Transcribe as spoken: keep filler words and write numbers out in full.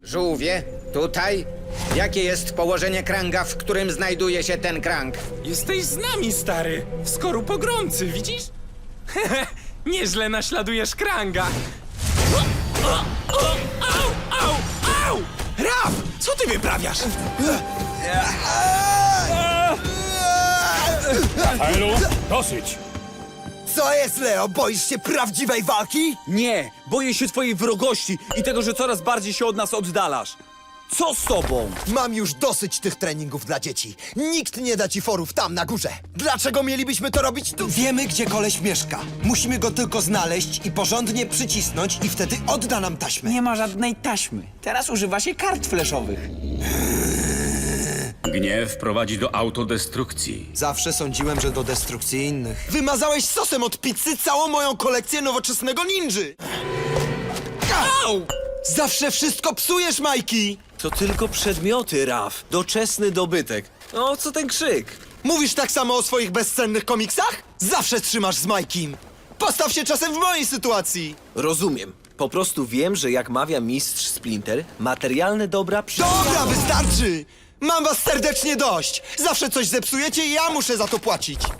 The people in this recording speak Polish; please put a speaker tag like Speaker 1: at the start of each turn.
Speaker 1: Żółwie, tutaj? Jakie jest położenie kranga, w którym znajduje się ten krang?
Speaker 2: Jesteś z nami, stary. W skorupogromcy, widzisz? Hehe, nieźle naśladujesz kranga. O, o, o, au, au, au! Raf, co ty wyprawiasz?
Speaker 3: Rafaelu, dosyć!
Speaker 4: Co jest, Leo? Boisz się prawdziwej walki?
Speaker 5: Nie, boję się twojej wrogości i tego, że coraz bardziej się od nas oddalasz. Co z tobą?
Speaker 4: Mam już dosyć tych treningów dla dzieci. Nikt nie da ci forów tam na górze. Dlaczego mielibyśmy to robić tu?
Speaker 6: Wiemy, gdzie koleś mieszka. Musimy go tylko znaleźć i porządnie przycisnąć i wtedy odda nam taśmę.
Speaker 5: Nie ma żadnej taśmy. Teraz używa się kart fleszowych.
Speaker 3: Gniew prowadzi do autodestrukcji.
Speaker 6: Zawsze sądziłem, że do destrukcji innych.
Speaker 4: Wymazałeś sosem od pizzy całą moją kolekcję nowoczesnego ninży.
Speaker 5: Au!
Speaker 4: Zawsze wszystko psujesz, Majki!
Speaker 5: To tylko przedmioty, Raf. Doczesny dobytek. No, co ten krzyk?
Speaker 4: Mówisz tak samo o swoich bezcennych komiksach? Zawsze trzymasz z Majkim. Postaw się czasem w mojej sytuacji.
Speaker 5: Rozumiem. Po prostu wiem, że jak mawia mistrz Splinter, materialne dobra przy...
Speaker 4: Dobra, wystarczy! Mam was serdecznie dość. Zawsze coś zepsujecie i ja muszę za to płacić.